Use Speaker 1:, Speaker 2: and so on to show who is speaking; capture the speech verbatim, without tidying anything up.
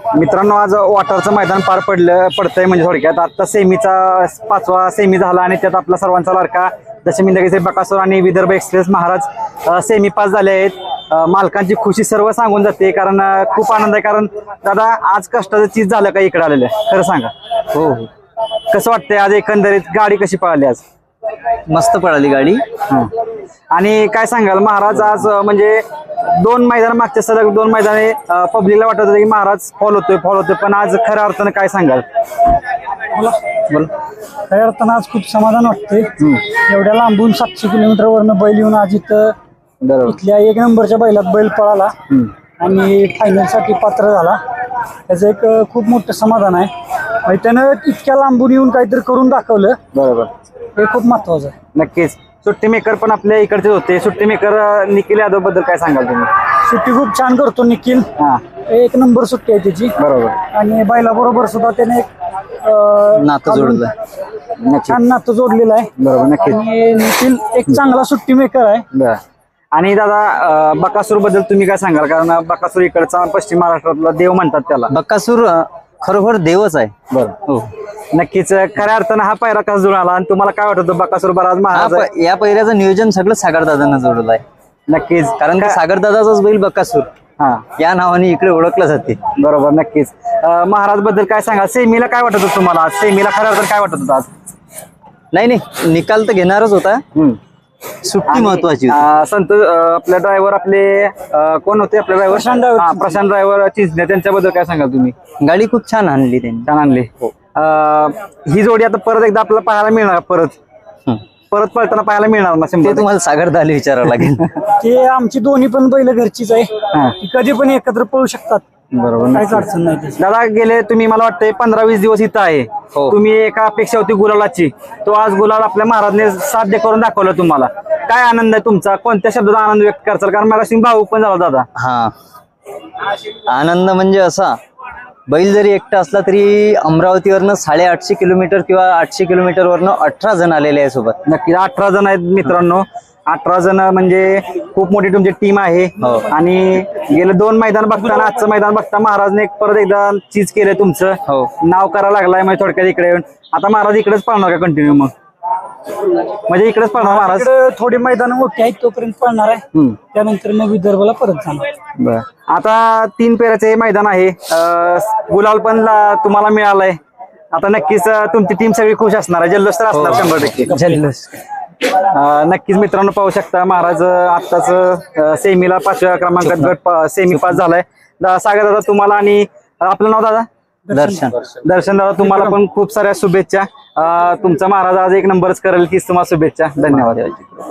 Speaker 1: मित्रांनो आज वाटारचं मैदान पार पडलं पडतंय म्हणजे थोडक्यात आता सेमीचा पाचवा सेमी झाला आणि त्यात आपला सर्वांचा लाडका दशमिंदगीचे बकासूर आणि विदर्भ एक्सप्रेस महाराज सेमी पास झाले आहेत। मालकांची खुशी सर्व सांगून जाते कारण खूप आनंद आहे। कारण दादा आज कष्टाचं चीज झालं का इकडे आलेलं खरं सांगा।
Speaker 2: हो हो
Speaker 1: कसं वाटतंय आज एकंदरीत गाडी कशी पळाली आज?
Speaker 2: मस्त पळाली गाडी।
Speaker 1: आणि काय सांगाल महाराज आज म्हणजे दोन मैदान मागच्या सलग दोन मैदाने पब्लिकला वाटत होतं की महाराज फॉल होतोय फॉल होतोय पण आज खऱ्या अर्थानं काय सांगाल?
Speaker 3: बोला बोला खऱ्या अर्थानं आज खूप समाधान वाटते। एवढ्या लांबून सातशे किलोमीटर वरनं बैल येऊन आज इथं इथल्या एक नंबरच्या बैलात बैल पळाला आणि फायनल साठी पात्र झाला, त्याचं एक खूप मोठं समाधान आहे। म्हणजे त्यानं इतक्या लांबून येऊन काहीतरी करून दाखवलं, बरोबर, हे खूप महत्वाचं आहे।
Speaker 1: नक्कीच सुट्टी मेकर पण आपल्या इकडचे होते। सुट्टी मेकर निखिल यादव बद्दल काय सांगाल तुम्ही?
Speaker 3: सुट्टी खूप छान करतो निखिल, एक नंबर सुट्टी आहे त्याची, बरोबर। आणि बैला बरोबर सुद्धा त्याने एक
Speaker 2: नातं जोडलं,
Speaker 3: छान नातं जोडलेलं आहे,
Speaker 1: बरोबर। नक्कीच
Speaker 3: आणि निखिल एक चांगला सुट्टी मेकर आहे।
Speaker 1: आणि दादा बकासूर बद्दल तुम्ही काय सांगाल? कारण बकासूर इकडचा पश्चिम महाराष्ट्रातला देव म्हणतात त्याला।
Speaker 2: बकासूर खरोखर देवच आहे।
Speaker 1: बरं, हो नक्कीच खऱ्या अर्थानं हा पायरा कसा जुळाला आणि तुम्हाला काय वाटतं बकासूर बराच महाराज
Speaker 2: या पैऱ्याचं नियोजन सगळं सागरदादांना जोडलं आहे।
Speaker 1: नक्कीच
Speaker 2: कारण का सागरदादाचाच बैल बकासूर
Speaker 1: हा
Speaker 2: या नावाने इकडे ओळखलं जाते,
Speaker 1: बरोबर। नक्कीच महाराज बद्दल काय सांगा? सेमीला काय वाटत होतं तुम्हाला? सेमीला खऱ्या अर्थानं काय वाटत होतं आज?
Speaker 2: नाही नाही निकाल तर घेणारच होता, सुट्टी महत्वाची
Speaker 1: होती। संतोष आपले ड्रायव्हर आपले कोण होते आपले ड्रायव्हर?
Speaker 3: प्रशांत
Speaker 1: प्रशांत ड्रायव्हर चिंचणे, त्यांच्याबद्दल काय सांगाल तुम्ही?
Speaker 2: गाडी खूप छान आणली त्यांनी,
Speaker 1: छान आणली। ही जोडी आता परत एकदा आपल्याला पाहायला मिळणार, परत परत पळताना पाहायला मिळणार ना?
Speaker 2: ते तुम्हाला सागरदादा विचारावं लागेल।
Speaker 3: ते आमची दोन्ही पण बैल घरचीच आहे, ती कधी पण एकत्र पळू शकतात,
Speaker 1: बरोबर,
Speaker 3: काहीच अडचण नाही।
Speaker 1: दादा गेले तुम्ही मला वाटतंय पंधरा वीस दिवस इथं आहे, तुम्ही एका अपेक्षा होती गुलालाची, तो आज गुलाल आपल्या महाराजने साध्य करून दाखवलं तुम्हाला। काय आनंद आहे तुमचा? कोणत्या शब्दात आनंद व्यक्त करचाल? कारण मला सिंग भाऊ पण झाला दादा।
Speaker 2: हा आनंद म्हणजे असा, बैल जरी एकटा असला तरी अमरावतीवरनं साडेआठशे किलोमीटर किंवा आठशे किलोमीटर वरनं अठरा जण आलेले आहे सोबत।
Speaker 1: नक्की अठरा जण आहेत मित्रांनो, अठरा जण म्हणजे खूप मोठी तुमची टीम आहे। आणि गेले दोन मैदान बघताना आजचं मैदान बघता महाराजने परत एकदा चीज केलंय तुमचं, नाव करायला लागलाय म्हणजे थोडक्यात इकडे येऊन। आता महाराज इकडेच पळणार का कंटिन्यू? मग म्हणजे इकडेच पळणार महाराज?
Speaker 3: थोडी मैदान मोठी आहेत तोपर्यंत पळणार आहे, त्यानंतर मग विदर्भाला परत जाणार।
Speaker 1: बर, आता तीन पेराचे हे मैदान आहे, गुलाल पण तुम्हाला मिळालाय, आता नक्कीच तुमची टीम सगळी खुश असणार आहे, जल्लोष तर असणार शंभर टक्के
Speaker 2: जल्लोष।
Speaker 1: नक्कीच मित्रांनो पाहू शकता महाराज आत्ताच सेमीला पाचव्या क्रमांकात गट सेमी पास झालाय। सागर दादा तुम्हाला आणि आपलं नाव दादा?
Speaker 2: दर्शन।
Speaker 1: दर्शन दादा तुम्हाला पण खूप साऱ्या शुभेच्छा। तुमचा महाराज आज एक नंबरच करेल हीच तुम्हाला शुभेच्छा। धन्यवाद।